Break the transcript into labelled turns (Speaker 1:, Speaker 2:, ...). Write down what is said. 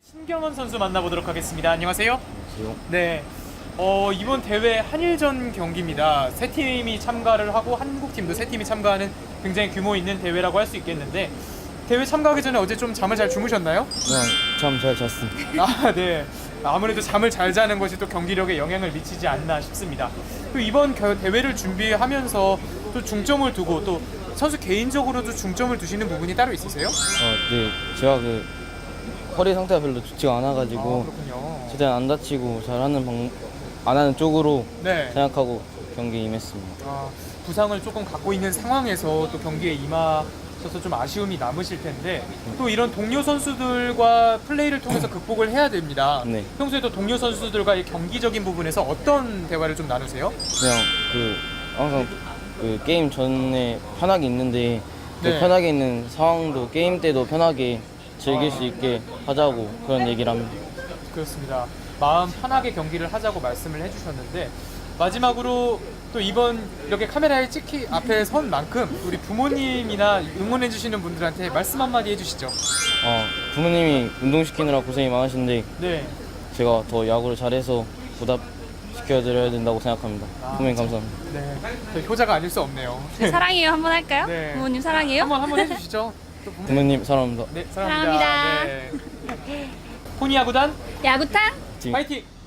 Speaker 1: 신경원 선수 만나보도록 하겠습니다. 안녕하세요.
Speaker 2: 안녕하세요.
Speaker 1: 네. 이번 대회 한일전 경기입니다. 세 팀이 참가를 하고 한국 팀도 세 팀이 참가하는 굉장히 규모 있는 대회라고 할 수 있겠는데 대회 참가하기 전에 어제 좀 잠을 잘 주무셨나요?
Speaker 2: 그냥 잠 잘 잤습니다.
Speaker 1: 아, 네. 아무래도 잠을 잘 자는 것이 또 경기력에 영향을 미치지 않나 싶습니다. 또 이번 대회를 준비하면서 또 중점을 두고 또 선수 개인적으로도 중점을 두시는 부분이 따로 있으세요?
Speaker 2: 네, 제가 허리 상태가 별로 좋지가 않아가지고
Speaker 1: 그렇군요.
Speaker 2: 최대한 안 다치고 안 하는 쪽으로
Speaker 1: 네.
Speaker 2: 생각하고 경기에 임했습니다.
Speaker 1: 부상을 조금 갖고 있는 상황에서 또 경기에 임하셔서 좀 아쉬움이 남으실 텐데 또 이런 동료 선수들과 플레이를 통해서 극복을 해야 됩니다.
Speaker 2: 네.
Speaker 1: 평소에도 동료 선수들과의 경기적인 부분에서 어떤 대화를 좀 나누세요?
Speaker 2: 그냥 항상 게임 전에 편하게 있는데
Speaker 1: 네.
Speaker 2: 편하게 있는 상황도 게임 때도 편하게 즐길 수 있게 하자고 그런 얘기를 합니다.
Speaker 1: 그렇습니다. 마음 편하게 경기를 하자고 말씀을 해주셨는데 마지막으로 또 이번 이렇게 카메라에 앞에 선 만큼 우리 부모님이나 응원해주시는 분들한테 말씀 한마디 해주시죠.
Speaker 2: 부모님이 운동시키느라 고생이 많으신데
Speaker 1: 네.
Speaker 2: 제가 더 야구를 잘해서 보답시켜드려야 된다고 생각합니다. 부모님 감사합니다.
Speaker 1: 네. 저 효자가 아닐 수 없네요.
Speaker 3: 네, 사랑해요 한번 할까요?
Speaker 1: 네.
Speaker 3: 부모님 사랑해요?
Speaker 1: 한번 해주시죠. 또
Speaker 2: 부모님 사랑합니다.
Speaker 1: 네, 사랑합니다.
Speaker 3: 사랑합니다.
Speaker 1: 네. 포니야구단
Speaker 2: 지금
Speaker 1: 파이팅!